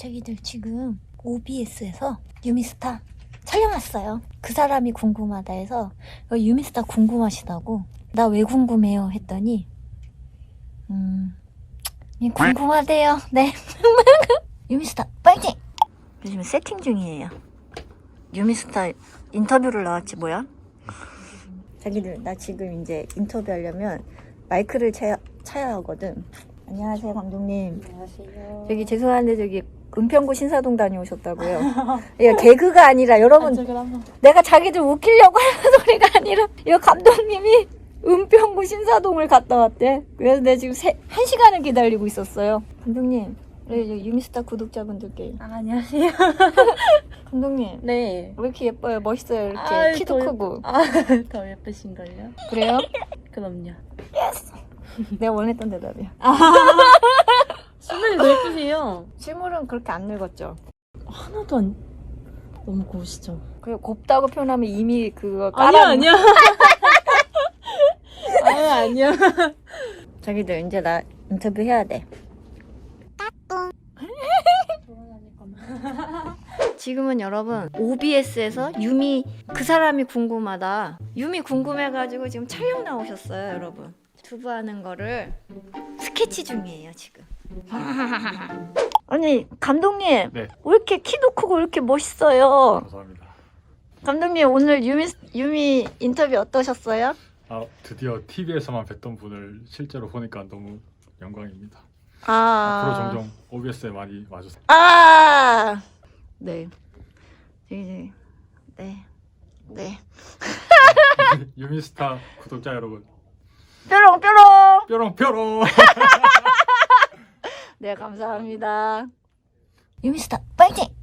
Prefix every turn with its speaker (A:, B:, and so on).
A: 자기들 지금 OBS에서 유미스타 촬영 왔어요. 그 사람이 궁금하다 해서 유미스타 궁금하시다고 나 왜 궁금해요 했더니 궁금하대요. 네. 유미스타 파이팅! 요즘 세팅 중이에요. 유미스타 인터뷰를 나왔지 뭐야? 자기들 나 지금 이제 인터뷰하려면 마이크를 차야 하거든. 안녕하세요 감독님.
B: 안녕하세요.
A: 저기 죄송한데 저기 은평구 신사동 다녀오셨다고요. 이거 개그가 아니라 여러분 내가 자기들 웃기려고 하는 소리가 아니라 이거 감독님이 은평구 신사동을 갔다 왔대. 그래서 내가 지금 1시간을 기다리고 있었어요. 감독님 유미스타 구독자분들께
B: 안녕하세요.
A: 감독님
B: 네.
A: 왜 이렇게 예뻐요? 멋있어요. 이렇게 키도 크고.
B: 더 예쁘신걸요?
A: 그래요?
B: 그럼요.
A: 내가 원했던 대답이야.
B: 실물이 더 예쁘세요.
A: 실물은 그렇게 안 늙었죠.
B: 하나도 안 너무 고우시죠?
A: 그 곱다고 표현하면 이미 그거
B: 아니야. 아니야.
A: 자기들 이제 나 인터뷰 해야 돼. 지금은 여러분 OBS에서 유미 그 사람이 궁금하다. 유미 궁금해가지고 지금 촬영 나오셨어요, 여러분. 두부하는 거를 스케치 중이에요 지금. 아니 감독님
C: 네.
A: 왜 이렇게 키도 크고 왜 이렇게 멋있어요?
C: 감사합니다.
A: 감독님 오늘 유미 인터뷰 어떠셨어요?
C: 드디어 TV에서만 뵀던 분을 실제로 보니까 너무 영광입니다. 앞으로
A: 아,
C: 종종 OBS에 많이 와주세요.
A: 네. 네. 네.
C: 유미스타 구독자 여러분,
A: 뾰롱뾰롱.
C: 뾰롱뾰롱.
A: 네, 감사합니다. 유미스타 파이팅!